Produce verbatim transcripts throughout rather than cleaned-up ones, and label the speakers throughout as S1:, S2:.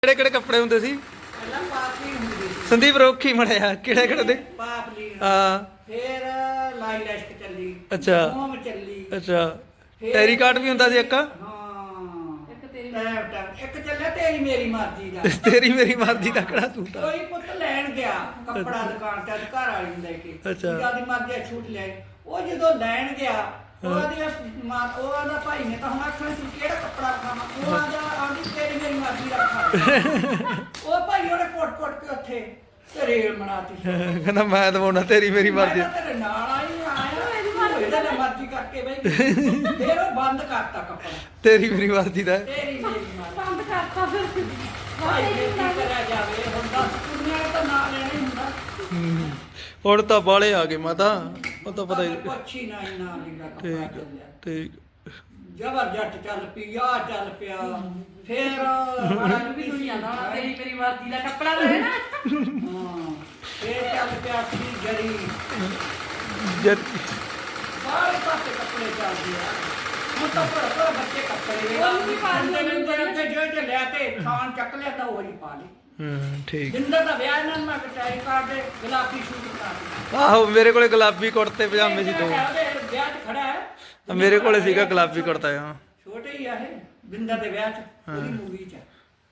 S1: ਕਿਹੜੇ ਕਿਹੜੇ ਕੱਪੜੇ ਹੁੰਦੇ ਸੀ?
S2: ਪਹਿਲਾਂ ਪਾਪਲੀ ਹੁੰਦੀ ਸੀ।
S1: ਸੰਦੀਪ ਰੋਖੀ ਮੜਿਆ ਕਿਹੜੇ ਕਿਹੜੇ ਦੇ?
S2: ਪਾਪਲੀ
S1: ਹਾਂ
S2: ਫਿਰ ਲਾਈ ਲੈਸ਼ਕ ਚੱਲੀ,
S1: ਅੱਛਾ
S2: ਮੋਮ ਚੱਲੀ,
S1: ਅੱਛਾ ਟੈਰੀ ਕਾਟ ਵੀ ਹੁੰਦਾ ਸੀ ਇੱਕ।
S2: ਹਾਂ ਇੱਕ ਤੇਰੀ ਇੱਕ ਚੱਲਿਆ ਤੇਰੀ ਮੇਰੀ ਮਰਜ਼ੀ ਦਾ।
S1: ਤੇਰੀ ਮੇਰੀ ਮਰਜ਼ੀ ਦਾ ਕਿਹੜਾ ਸੂਟ ਆ?
S2: ਕੋਈ ਪੁੱਤ ਲੈਣ ਗਿਆ ਕੱਪੜਾ ਦੁਕਾਨ ਤੇ ਘਰ ਵਾਲੀ ਨੂੰ ਲੈ ਕੇ,
S1: ਅੱਛਾ।
S2: ਜਿਆਦੀ ਮਰਜ਼ੀ ਦਾ ਛੂਟ ਲੈ। ਉਹ ਜਦੋਂ ਲੈਣ ਗਿਆ ਉਹਦੀ ਉਹ ਆਂਦਾ ਭਾਈ ਨੇ ਤਾਂ ਹੁਣ ਆਖਣਾ ਸੀ ਕਿਹੜਾ ਕੱਪੜਾ ਖਾਣਾ। ਉਹ ਆਂਦਾ ਆਂਦੀ ਤੇਰੀ ਮੇਰੀ ਮਰਜ਼ੀ ਦਾ ਖਾ। ਉਹ ਭਾਈ ਉਹਨੇ ਕੋਟ ਕੋਟ ਕੇ ਉੱਥੇ ਤੇ ਰੇਲ ਬਣਾਤੀ।
S1: ਕਹਿੰਦਾ ਮੈਂ ਦਵਾਉਣਾ ਤੇਰੀ ਮੇਰੀ ਮਰਜ਼ੀ।
S2: ਮੈਂ ਤੇਰੇ ਨਾਲ ਆਈ ਆਇਆ ਇਹਦੇ ਨਾਲ ਮਰਜ਼ੀ ਕਰਕੇ ਬਈ ਫਿਰ ਉਹ ਬੰਦ ਕਰਤਾ ਕੱਪੜਾ
S1: ਤੇਰੀ ਮੇਰੀ ਮਰਜ਼ੀ ਦਾ।
S2: ਤੇਰੀ ਮੇਰੀ ਮਰਜ਼ੀ
S3: ਬੰਦ ਕਰਤਾ ਫਿਰ
S2: ਭਾਈ ਜੇ ਕੀ ਕਰਿਆ ਜਾਵੇ ਹੁਣ ਦਸ ਕੁੜੀਆਂ ਤਾਂ ਨਾ ਲੈਣੇ ਹੁੰਦਾ।
S1: ਹੁਣ ਤਾਂ ਬਾਲੇ ਆ ਗਏ ਮਾਤਾ, ਉਹ ਤਾਂ ਪਤਾ ਹੀ।
S2: ਪੁੱਛੀ ਨਾ ਇੰਨਾ ਲੀੜਾ ਕੱਪੜਾ
S1: ਠੀਕ
S2: ਚੱਲਿਆ
S1: ਠੀਕ
S2: ਜਬਰ ਜੱਟ ਚੱਲ ਪਈ ਆ ਚੱਲ ਪਿਆ ਫਿਰ
S3: ਬੜਾ ਵੀ ਸੁਣੀ ਜਾਂਦਾ ਹੋਣਾ ਤੇਰੀ ਮੇਰੀ ਮਰਜ਼ੀ ਦਾ ਕੱਪੜਾ ਲੈ ਨਾ।
S2: ਹਾਂ ਫਿਰ ਚੱਲ ਪਿਆ ਸੀ ਜਰੀ
S1: ਜਦ
S2: ਸਾਰੇ ਪਾਸੇ ਕੱਪੜੇ ਚੱਲਦੇ ਆ। ਹੁਣ ਤਾਂ ਪਰ ਪਰ ਬੱਚੇ ਕੱਪੜੇ
S3: ਉਹ ਵੀ ਪਾ ਲਈ
S2: ਤੇ ਜੋ ਜੋ ਲਿਆ ਤੇ ਥਾਨ ਚੱਕ ਲਿਆ ਤਾਂ ਉਹੀ ਪਾ ਲਈ।
S1: ਹੂੰ ਠੀਕ।
S2: ਜਿੰਦਰ ਦਾ ਵਿਆਹ ਨਾਲ ਮੈਂ ਕਟਾਈ ਕਰਦੇ ਗੁਲਾਬੀ ਸ਼ੂਟ ਕਰਾ
S1: ਆਹੋ ਮੇਰੇ ਕੋਲੇ ਗੁਲਾਬੀ ਕੁੜਤੇ ਪਜਾਮੇ ਸੀ ਦੋ।
S2: ਵਿਆਹ 'ਚ ਖੜਾ ਹੈ
S1: ਮੇਰੇ ਕੋਲੇ ਸੀਗਾ ਗੁਲਾਬੀ ਕੁੜਤਾ। ਹਾਂ
S2: ਛੋਟੇ ਹੀ ਆ ਇਹ ਬਿੰਦਰ ਦੇ ਵਿਆਹ 'ਚ ਉਹਦੀ ਮੂਵੀ 'ਚ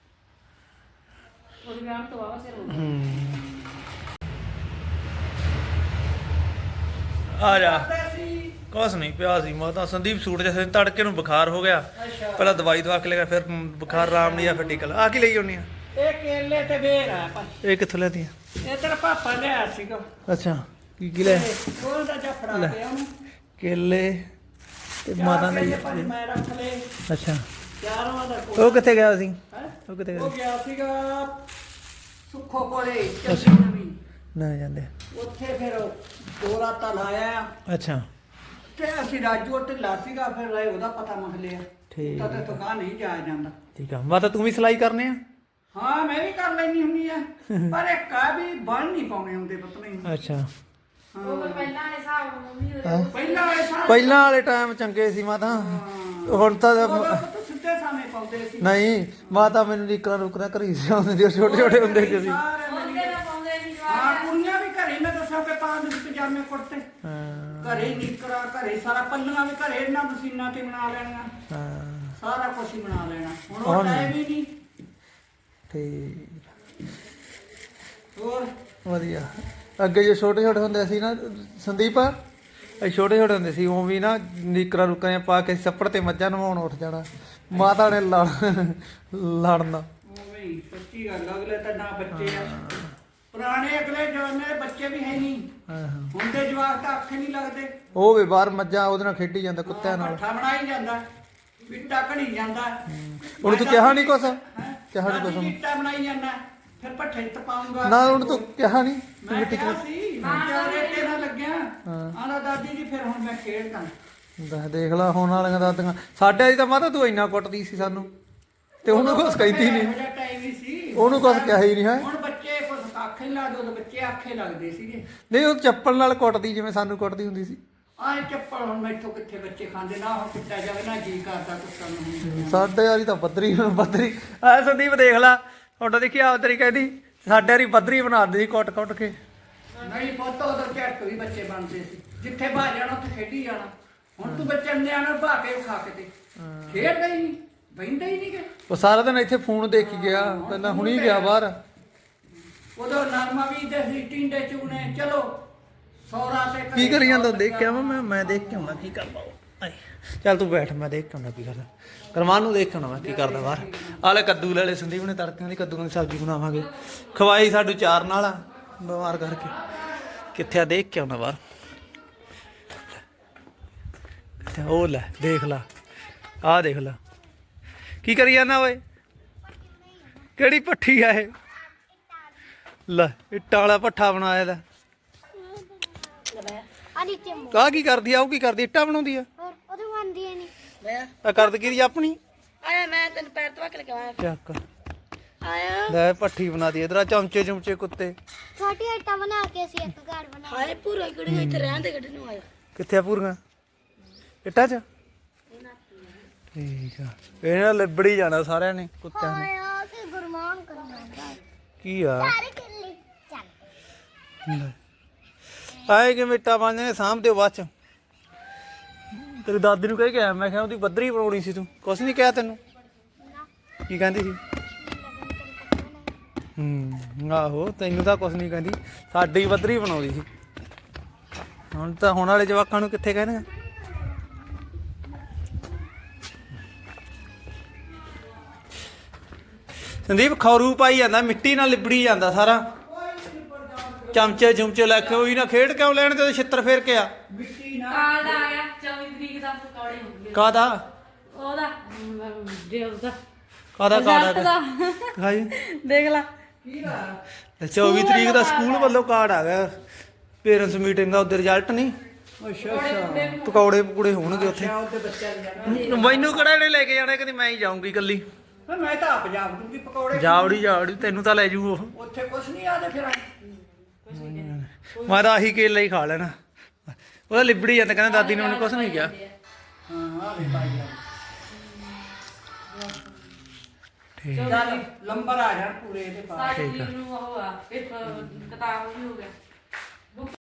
S3: ਉਹਦੇ ਵਿਆਹ ਤੋਂ ਆਵਾ ਸਿਰ ਹੋ ਗਿਆ।
S1: ਹੂੰ ਆ ਜਾ। ਕੁਛ ਨਹੀਂ ਪਿਆ ਸੀ ਮਾਤਾ। ਸੰਦੀਪ ਸੂਟ ਜਿਹਾ ਤੜਕੇ ਨੂੰ ਬੁਖਾਰ ਹੋ ਗਿਆ, ਪਹਿਲਾਂ ਦਵਾਈ ਦਵਾ ਕੇ ਲਿਆ, ਫਿਰ ਬੁਖਾਰ ਆਰਾਮ ਨਹੀਂ ਆ, ਫਿਰ ਟੀਕਾ ਆ ਕੀ ਲਈ ਆਉਣੀ ਆ?
S2: ਇਹ ਕੇਲੇ ਤੇ ਬੇਰ ਆ ਭਾਈ।
S1: ਇਹ ਕਿੱਥੋਂ ਲੈਤੀ ਆ?
S2: ਇਹ ਤੇਰਾ ਪਾਪਾ ਲਿਆ ਸੀਗਾ।
S1: ਅੱਛਾ ਕੀ ਕੀ ਲੈ?
S2: ਕੋਲ ਦਾ ਜਫੜਾ ਪਿਆ ਉਹਨੂੰ
S1: ਕੇਲੇ ਤੇ ਮਾਤਾ ਨੇ।
S2: ਭਾਈ ਮੈਂ ਰੱਖ ਲਏ
S1: ਅੱਛਾ
S2: ਚਾਰਾਂ ਦਾ ਕੋਲ।
S1: ਉਹ ਕਿੱਥੇ ਗਿਆ ਸੀ?
S2: ਹੈਂ?
S1: ਉਹ ਕਿੱਥੇ
S2: ਉਹ
S1: ਗਿਆ?
S2: ਗਿਆ ਸੀਗਾ ਸੁੱਖੋ ਕੋਲੇ ਚੱਲੀ ਨਵੀਂ।
S1: ਨਾ ਜਾਂਦੇ।
S2: ਉੱਥੇ ਫਿਰ ਉਹ ਦੋ ਰਾਤਾਂ ਲਾਇਆ
S1: ਅੱਛਾ
S2: ਤੇ ਅਸੀਂ ਰਾਜੂ ਢਿੱਲਾ ਸੀਗਾ ਫਿਰ ਰਾਏ ਉਹਦਾ ਪਤਾ ਮੰਗ ਲਿਆ।
S1: ਠੀਕ
S2: ਤਾਂ ਤੇ ਤੁਕਾਂ ਨਹੀਂ ਜਾਇਆ ਜਾਂਦਾ।
S1: ਠੀਕ ਆ ਮਾਤਾ, ਤੂੰ ਵੀ ਸਿਲਾਈ ਕਰਨੇ ਆ?
S2: ਹਾਂ ਮੈਂ ਵੀ ਕਰ ਲੈਣੀ ਹੁੰਦੀ ਆ ਪਰ ਇੱਕ ਆ ਵੀ ਬਣ ਨਹੀਂ ਪਾਉਣੇ ਹੁੰਦੇ ਪਤਾ ਨਹੀਂ।
S1: ਅੱਛਾ
S3: ਉਹ ਫਿਰ ਪਹਿਲਾਂ ਵਾਲੇ ਹਿਸਾਬ ਨਾਲ ਮੰਮੀ ਉਹਦੇ
S1: ਹੈਂ?
S2: ਪਹਿਲਾਂ ਵਾਲੇ ਸਾਹ
S1: ਪਹਿਲਾਂ ਵਾਲੇ ਟਾਈਮ ਚੰਗੇ ਸੀ ਮਾਤਾ। ਹੁਣ ਤਾਂ
S2: ਸਿੱਧੇ ਸਾਹਮਣੇ ਪਾਉਂਦੇ ਸੀ।
S1: ਨਹੀਂ ਮਾਤਾ ਮੈਨੂੰ ਲੀਕਰਾਂ ਰੁਕਰਾਂ ਘਰੀ ਸੀ ਆਉਂਦੇ ਸੀ, ਛੋਟੇ ਛੋਟੇ ਹੁੰਦੇ ਸੀ ਅਸੀਂ।
S2: ਸਾਰੇ
S3: ਉਹਦੇ ਨਾਲ ਪਾਉਂਦੇ ਨਹੀਂ ਜਵਾਬ।
S2: ਹਾਂ ਕੁੜੀਆਂ ਵੀ ਘਰੇ ਮੈਂ ਦੱਸਾਂ ਕਿ ਪਾ ਦੇ ਪਜਾਮੇ ਕੁੜਤੇ
S1: ਹਾਂ
S2: ਘਰੇ ਨਿਕਰਾ ਘਰੇ ਸਾਰਾ ਪੱਲੀਆਂ ਵੀ ਘਰੇ ਇਹਨਾਂ ਮਸ਼ੀਨਾਂ ਤੇ ਬਣਾ ਲੈਣੀਆਂ।
S1: ਹਾਂ
S2: ਸਾਰਾ ਕੁਝ ਹੀ ਬਣਾ ਲੈਣਾ। ਹੁਣ
S1: ਹੁਣ
S2: ਉਹ ਟਾਈਮ ਹੀ ਨਹੀਂ।
S1: ਠੀਕ
S2: ਹੋਰ
S1: ਵਧੀਆ। ਅੱਗੇ ਜੇ ਛੋਟੇ ਛੋਟੇ ਹੁੰਦੇ ਸੀ ਨਾ ਸੰਦੀਪ, ਅਸੀਂ ਛੋਟੇ ਛੋਟੇ ਹੁੰਦੇ ਸੀ ਉਹ ਵੀ ਨਾ ਨੀਕਰਾਂ ਰੁਕਰਾਂ ਪਾ ਕੇ ਛੱਪੜ ਤੇ ਮੱਝਾਂ ਨਵਾਉਣ ਉੱਠ ਜਾਣਾ। ਮਾਤਾ ਨੇ ਲੜ ਲੜਨਾ।
S2: ਉਵੇਂ ਹੀ ਸੱਚੀ ਗੱਲ ਅਗਲੇ ਤਾਂ ਨਾ ਬੱਚੇ ਆ। ਪੁਰਾਣੇ ਅਗਲੇ ਜਮਾਨੇ ਦੇ ਬੱਚੇ ਵੀ ਹੈ ਨਹੀਂ।
S1: ਹਾਂ ਹਾਂ
S2: ਹੁਣ ਦੇ ਜਵਾਕ ਤਾਂ ਅੱਖੇ ਨਹੀਂ ਲੱਗਦੇ।
S1: ਉਹ ਵੀ ਬਾਹਰ ਮੱਝਾਂ ਉਹਦੇ ਨਾਲ ਖੇਡੀ ਜਾਂਦਾ, ਕੁੱਤਿਆਂ ਨਾਲ।
S2: ਪੱਠਾ ਬਣਾਈ ਜਾਂਦਾ ਇੱਟਾ ਘੜੀ ਜਾਂਦਾ।
S1: ਉਹਨੂੰ ਤੂੰ ਕਿਹਾ ਨਹੀਂ ਕੁਛ?
S2: ਹੈਂ?
S1: ਕਿਹਾ ਨੀ ਕੁਛ ਉਹਨੂੰ?
S2: ਇੱਟਾ ਬਣਾਈ ਜਾਂਦਾ ਫਿਰ ਪੱਠੇ ਚ ਪਾਉਂਗਾ
S1: ਨਾ ਉਹਨੂੰ ਤੂੰ ਕਿਹਾ ਨਹੀਂ
S2: ਮੈਂ
S1: ਮਿੱਟੀ
S2: ਕਿਹਾ
S1: ਚ?
S2: ਸੀ ਮੈਂ ਰੇਤੇ ਨਾਲ ਲੱਗਿਆ।
S1: ਹਾਂ।
S2: ਆਂਦਾ ਦਾਦੀ ਜੀ ਫਿਰ ਹੁਣ ਮੈਂ ਖੇਡਦਾ।
S1: ਦੱਸ ਦੇਖ ਲਾ ਹੁਣ ਵਾਲੀਆਂ ਦਾਦੀਆਂ। ਸਾਡੇ ਵਾਲੀ ਤਾਂ ਮਾਤਾ ਤੂੰ ਇੰਨਾ ਕੁੱਟਦੀ ਸੀ ਸਾਨੂੰ ਤੇ ਉਹਨੂੰ ਕੁਛ ਕਹਿੰਦੀ ਨਹੀਂ।
S2: ਇਹੋ ਜਿਹਾ ਟਾਈਮ ਹੀ ਸੀ।
S1: ਉਹਨੂੰ ਕੁਛ ਕਿਹਾ ਹੀ ਨਹੀਂ ਹੈ।
S2: ਹੁਣ ਬੱਚੇ ਕੁਛ ਆਖੇ ਨੀ ਲੱਗਦੇ। ਉਦੋਂ ਬੱਚੇ ਆਖੇ ਲੱਗਦੇ ਸੀਗੇ।
S1: ਨਹੀਂ ਉਹ ਚੱਪਲ ਨਾਲ ਕੁੱਟਦੀ ਜਿਵੇਂ ਸਾਨੂੰ ਕੁੱਟਦੀ ਹੁੰਦੀ ਸੀ।
S2: ਆਹ ਚੱਪਲ ਹੁਣ ਮੈਥੋਂ ਕਿੱਥੇ ਬੱਚੇ ਖਾਂਦੇ ਨਾ ਹੁਣ ਕੁੱਟਿਆ ਜਾਵੇ ਨਾ ਜੀ ਕਰਦਾ ਕੁੱਤਾ ਨੂੰ।
S1: ਸਾਡੇ ਵਾਲੀ ਤਾਂ ਬੱਦਰੀ ਬੱਦਰੀ ਆ ਸੰਦੀਪ ਦੇਖ ਲਾ ਤੁਹਾਡਾ ਦੇਖੀ ਆਵਤਰੀ ਕਹਿੰਦੀ ਸਾਡੇ ਵਾਲੀ ਬੱਦਰੀ ਬਣਾ ਦਿੰਦੀ ਸੀ ਕੁੱਟ ਕੁੱਟ ਕੇ।
S2: ਨਹੀਂ ਪੁੱਤ ਉਦੋਂ ਝਟਕ ਵੀ ਬੱਚੇ ਬਣਦੇ ਸੀ। ਜਿੱਥੇ ਭਾ ਜਾਣਾ ਉੱਥੇ ਖੇਡੀ ਜਾਣਾ। ਹੁਣ ਤੂੰ ਬੱਚੇ ਨਿਆਣੇ ਭਾ ਕੇ ਖਾ ਕੇ ਤੇ ਖੇਡਦਾ ਹੀ ਨਹੀਂ ਬਹਿੰਦਾ ਹੀ ਨਹੀਂ ਕਿ
S1: ਉਹ ਸਾਰਾ ਦਿਨ ਇੱਥੇ ਫੋਨ ਦੇਖ ਕੇ ਗਿਆ, ਪਹਿਲਾਂ ਹੁਣੀ ਗਿਆ ਬਾਹਰ।
S2: ਉਦੋਂ ਨਰਮਾ ਵੀ ਦੇ ਸੀ ਟਿੰਡੇ ਚੂਨੇ ਚਲੋ ਸੌਰਾ ਤੇ
S1: ਕੀ ਕਰੀ ਜਾਂਦਾ ਦੇਖ ਕੇ ਆਵਾਂ ਮੈਂ ਮੈਂ ਦੇਖ ਕੇ ਆਉਣਾ ਕੀ ਕਰਦਾ ਉਹ। ਆਏ ਚੱਲ ਤੂੰ ਬੈਠ, ਮੈਂ ਦੇਖ ਕੇ ਆਉਣਾ ਕੀ ਕਰਦਾ। ਕਰਮਾਨ ਨੂੰ ਦੇਖ ਕੇ ਆਉਣਾ ਮੈਂ ਕੀ ਕਰਦਾ ਬਾਹਰ। ਆਲੇ ਕੱਦੂ ਲੈ ਲੈ ਸੰਦੀਪ ਨੇ ਤੜਕਿਆਂ ਦੀ ਕੱਦੂਆਂ ਦੀ ਸਬਜ਼ੀ ਬਣਾਵਾਂਗੇ। ਖਵਾਈ ਸਾਡੂ ਚਾਰ ਨਾਲ ਆ ਬਿਮਾਰ ਕਰਕੇ। ਕਿੱਥੇ ਆ ਦੇਖ ਕੇ ਆਉਣਾ ਬਾਹਰ। ਕਿੱਥੇ ਉਹ ਲੈ ਦੇਖ ਲਾ ਆਹ ਦੇਖ ਲਾ ਕੀ ਕਰੀ ਜਾਂਦਾ ਓਏ। ਕਿਹੜੀ ਭੱਠੀ ਆ ਇਹ? ਲੈ ਇੱਟਾਂ ਵਾਲਾ ਭੱਠਾ ਬਣਾਇਆ ਦਾ। ਆਹ ਕੀ ਕਰਦੀ ਆ? ਉਹ ਕੀ ਕਰਦੀ? ਇੱਟਾਂ ਬਣਾਉਂਦੀ ਆ?
S4: ਉਹਦੇ ਬਣਦੀ ਨਹੀਂ
S2: ਲੈ
S1: ਆ ਕਰਦ ਕੀ ਆਪਣੀ?
S2: ਆਇਆ ਮੈਂ ਤੈਨੂੰ ਪੈਰ ਧਵਾ ਕੇ ਲਗਾਇਆ
S1: ਚੱਕ
S2: ਆਇਆ।
S1: ਲੈ ਭੱਠੀ ਬਣਾਦੀ ਇਧਰ ਚਮਚੇ ਚਮਚੇ ਕੁੱਤੇ।
S4: ਛੋਟੀ ਇੱਟਾਂ ਬਣਾ ਕੇ ਅਸੀਂ ਇੱਕ ਘਰ ਬਣਾ
S2: ਹਾਏ ਪੂਰਾ ਕੁੜੀ ਇੱਥੇ ਰਹਿਣ ਦੇ ਗੱਡੀ ਨੂੰ ਆਇਆ।
S1: ਕਿੱਥੇ ਆ ਪੂਰੀਆਂ ਇੱਟਾਂ 'ਚ? ਠੀਕ ਆ ਇਹਨਾਂ ਲਿਬੜੀ ਜਾਣਾ ਸਾਰਿਆਂ ਨੇ ਕੁੱਤਿਆਂ ਨੇ।
S4: ਆਇਆ ਤੇ ਗੁਰਮਾਨ ਕਰਨਾ
S1: ਕੀ ਆ
S4: ਸਾਰੇ ਕਿੱਲੇ ਚੱਲ
S1: ਆਏ ਕਿ ਮਿੱਟਾ ਬੰਦੇ ਨੇ ਸਾਂਭ ਦਿਓ ਬਾਅਦ ਚ ਤੇਰੀ ਦਾਦੀ ਨੂੰ ਕਹਿ ਕੇ ਆਇਆ ਮੈਂ ਕਿਹਾ ਉਹਦੀ ਬੱਦਰੀ ਬਣਾਉਣੀ ਸੀ ਤੂੰ ਕੁਛ ਨਹੀਂ ਕਿਹਾ ਤੈਨੂੰ ਕੀ ਕਹਿੰਦੀ ਸੀ ਹੂੰ ਆਹੋ ਤੈਨੂੰ ਤਾਂ ਕੁਛ ਨਹੀਂ ਕਹਿੰਦੀ ਸਾਡੀ ਬੱਦਰੀ ਬਣਾਉਂਦੀ ਸੀ ਹੁਣ ਤਾਂ ਹੁਣ ਵਾਲੇ ਜਵਾਕਾਂ ਨੂੰ ਕਿੱਥੇ ਕਹਿਣਗੇ ਸੰਦੀਪ ਖੌਰੂ ਪਾਈ ਜਾਂਦਾ ਮਿੱਟੀ ਨਾਲ ਲਿਬੜੀ ਜਾਂਦਾ ਸਾਰਾ ਚਮਚੇ ਚੁਮਚੇ ਲੈ ਕੇ ਉਹੀ ਨਾ ਖੇਡ ਕਿਉਂ ਲੈਣ ਤੇ ਛਿੱਤਰ ਫੇਰ ਕੇ ਆ
S2: ਮਿੱਟੀ ਨਾ
S3: ਕਾਰਡ ਆ ਗਿਆ ਚੌਵੀ ਤਰੀਕ ਦਾ ਪਕੌੜੇ ਹੋਣਗੇ
S1: ਕਾਦਾ
S3: ਉਹਦਾ ਜੇ ਉਹਦਾ
S1: ਕਾਦਾ ਕਾਰਡ
S3: ਰਿਜ਼ਲਟ
S1: ਆ
S3: ਦਾ
S1: ਹਾਂਜੀ
S3: ਦੇਖ ਲੈ
S2: ਕੀ ਦਾ
S1: ਚੌਵੀ ਤਰੀਕ ਦਾ ਸਕੂਲ ਵੱਲੋਂ ਕਾਰਡ ਆ ਗਿਆ ਪੇਰੈਂਟਸ ਮੀਟਿੰਗ ਦਾ ਉਹਦੇ ਰਿਜ਼ਲਟ ਨਹੀਂ
S2: ਅੱਛਾ ਅੱਛਾ
S1: ਪਕੌੜੇ ਪਕੂੜੇ ਹੋਣਗੇ ਉੱਥੇ
S2: ਅੱਛਾ ਉਹਦੇ ਬੱਚਿਆਂ ਦੀ ਜਾਣਾ
S1: ਮੈਨੂੰ ਕਿਹੜਾ ਨੇ ਲੈ ਕੇ ਜਾਣਾ ਕਹਿੰਦੀ ਮੈਂ ਹੀ ਜਾਊਂਗੀ ਇਕੱਲੀ
S2: ਮੈਂ ਤਾਂ ਆਪ ਜਾ ਦੂੰਗੀ ਪਕੌੜੇ
S1: ਜਾਵੜੀ ਜਾਵੜੀ ਤੈਨੂੰ ਤਾਂ ਲੈ ਜੂ ਉਹ
S2: ਉੱਥੇ ਕੁਛ ਨਹੀਂ ਆਦੇ ਫਿਰ
S1: ਮੈਂ ਤਾਂ ਆਹੀ ਕੇਲਾ ਹੀ ਖਾ ਲੈਣਾ ਉਹਦਾ ਲਿਬੜੀ ਜਾਂਦਾ ਕਹਿੰਦਾ ਦਾਦੀ ਨੇ ਉਹਨੂੰ ਕੁਛ ਨਹੀਂ ਕਿਹਾ
S2: ਹਾਂ ਆ ਲੈ ਭਾਈ
S1: ਠੀਕ
S2: ਚੱਲ ਲੰਬਰ ਆ ਜਾਣ ਪੂਰੇ ਇਹਦੇ ਬਾਅਦ
S3: ਸਾਡੀ ਨੂੰ ਉਹ ਆ ਪੇਪਰ ਕਿਤਾਬ ਵੀ ਹੋ ਗਿਆ